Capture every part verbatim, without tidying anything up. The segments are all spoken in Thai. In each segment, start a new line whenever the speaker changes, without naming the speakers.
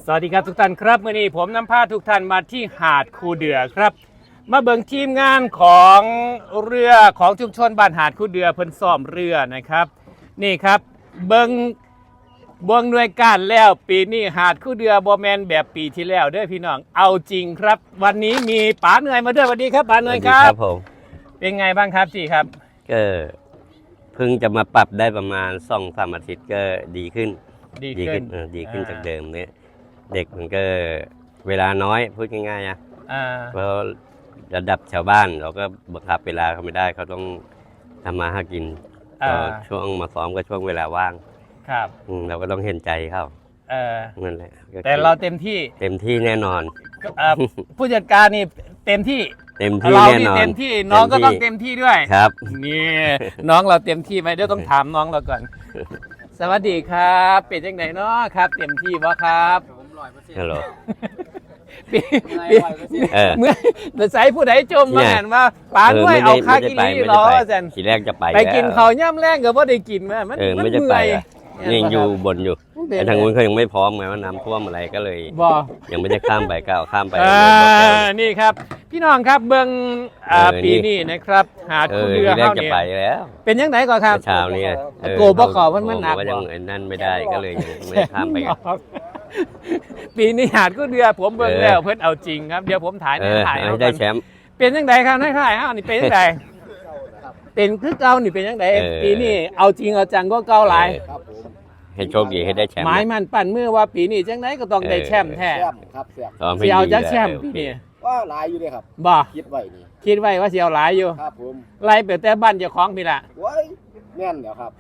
สวัสดีครับทุกท่านครับมื่อนี้ผมนำพาทุกท่านมาที่หาดคูเดือครับมาเบิ่งทีมงานของเรือของชุมชนบ้านหาดคูเดือเพิ่นซ่อมเรือนะครับนี่ครับเบิ่งเบิ่งหน่วยการแล้วปีนี้หาดคูเดือบ่แม่นแบบปีที่แล้วเด้อพี่น้องเอาจริงครับวันนี้มีป๋าเหนื่อยมาด้วยสวัสดีครับป๋าเหนื่อยครับ
ครับผม
เป็นไงบ้างครับจีครับ
ก็เพิ่งจะมาปรับได้ประมาณสองสามอาทิตย์ก็ดีขึ้น
ดีขึ้น
ดีขึ้นจากเดิมเนี่ยเด็กมันก็เวลาน้อยพูดง่ายๆนะเพราะระดับชาวบ้านเราก็บังคับเวลาเขาไม่ได้เขาต้องทำมาหากินช่วงมาซ้อมก็ช่วงเวลาว่าง
ครับ
เราก็ต้องเห็นใจเขา
เออ
นั่นแหละ
แต่เราเต็มที่
เต็มที่แน่นอน
ผู้จัดการนี่เต็มที่
เต็มที่แน่นอน
เต็มที่น้องก็ต้องเต็มที่ด้วย
ครับ
นี่น้องเราเต็มที่ไหมเดี๋ยวต้องถามน้องเราก่อนสวัสดีครับเป็นยังไงเนาะครับเต็มที่บ่ครับ
ฮัลโหล
เมื่อเมื่อใส่ผู้ใดจมมาเห็นว่าป๋าด้วยเอาค่ากินนี่รออาจารย์
ทีแรกจะไป
ไปกินเขาย่ำแรงก็ว่าได้กินมามัน
ไม่จะไปยังอยู่บนอยู่แต่ทางนู้นเขายังไม่พร้อมไงว่าน้ำท่วมอะไรก็เลยยังไม่ได้ข้ามไปก้าวข้ามไป
นี่ครับพี่น้องครับเบิ้งปีนี้นะครับหาคู่เรือเข้าเนี่ยเป็นยังไงก่อนครับ
เช้านี้
โกบขอมันมันหนัก
ว่ายังนั่นไม่ได้ก็เลยยังไม่ได้ข้ามไป
ปีนี้หาคู่เรือผมเบิ้งแล้วเพื่อนเอาจริงครับเดี๋ยวผมถ่าย
ถ่ายให้ได้แชมป์
เป็นยังไงครับให้ถ่ายอ้าวนี่เป็นยังไงเป็นคือเก่านี่เป็นยังไงปีนี้เอาจริงเอาจังก็เก่าหลาย
ให้โชคดีให้ได้แชมป์
หมายมันปั่นเมื่อว่าปีนี้จังไหนก็ต้องได้แชมป์แท้
ครับเสีย
เสียวจะแชมป์ปีนี้
ว่าหลายอยู่เลยครับ
บ่
คิดไว้นี่
คิดไว้ว่าเสียวหลายอยู่
ครับผม
ไล่ไปแต่บ้านเจ้าของพี่ละ
ว้ยแม่นเดี๋ยวครับ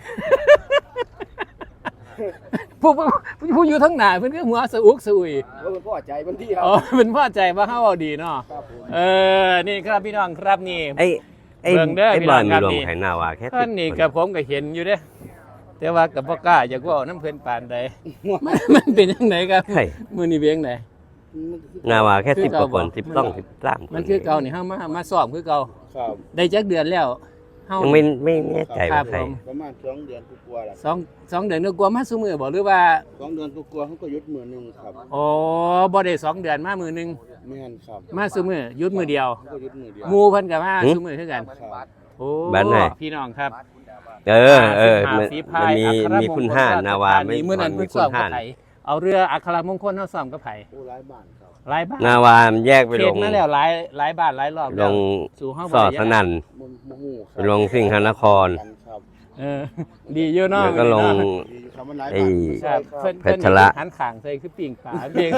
ผู้ผู้อยู่ทั้งหน้าเพิ่นก็หัวสะอุกสะอุย
เพิ่นพอใจเพิ่นที่ครับ
อ๋อเพิ่นพอใจว่าเฮาเอาดีเนาะเออนี่ครับพี่น้องครับนี่
ไอ้ไอ้เบิ่งเด้อพี่น้องครับนี่ไข่นาวาแค่
ท่านนี่กับผมก็เห็นอยู่เด้แต่ว่ากับบ่กล้าอยากว่าน้ำเพิ่นปานใดมันเป็นจังไดครับมื้อนี้เป็นจังได
นาวาแค่สิบกว่าคนสิบสอง สิบสาม
มันคือเก่านี่เฮามามาซ้อมคือเก่า
ครับ
ได้จักเดือนแล้ว
เฮายังไม่ไม่แน่ใจว่าใคร
ประมาณสองเดือนกว่าๆแล้ว
สอง สองเดือนกว่ามาซุมื้อบ่หรือว่า
สองเดือนกว่าๆเฮาก็หยุดมื้อนึงครับ
อ๋อบ่ได้สองเดือนมามื้อนึง
แม่นครับ
มาซุมื้อหยุดมื้อเดียว
ก็หยุดมื้อเดียว
หมู่เพิ่นก็มาซุมื้อคือกันโอ้บ้านไหนพี่น้องครับ
เออเออมันมีมีคุณห้านาวาไม่
มื้อนั้นมีคุณห้านเอาเรืออัครมงคลเฮาซ้อมกับไผ
โอ้หลายบ้านครับ
หลายบ้าน
นาวาแยกไปลง
มาแล้วหลายหลายบ้านหลายรอบ
ลงสู่เฮาสอดสนั่นลงสิงหนคร
เออดีอยู่เนาะ
แล้วก็ลงไอ้เพชรละ
หันข้างใส่คือปิ่งปลาเอง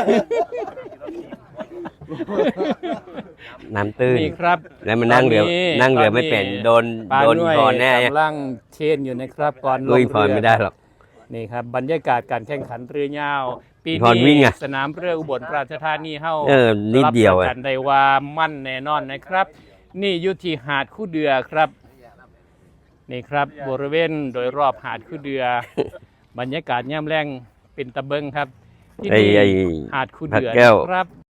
น้ำตื้น
นี่ครับ
แล้วมันนั่งเรือนั่งเรือไม่เป็นโดนโดนพรแน่
กำลังเชนอยู่นะครับก่อน
ลงเรือไม่ได้หรอก
นี่ครับบรรยากาศการแข่งขันเรือยาวปีนี้สนามเรืออุบลราชธานีเฮา
นิดเดียว
กันได้ว่ามั่นแน่นอนนะครับนี่อยู่ที่หาดคู่เดือครับนี่ครับบริเวณโดยรอบหาดคู่เดือบรรยากาศย่ำแรงเป็นตะเบิงครับที่นี่หาดคู่เดือครับ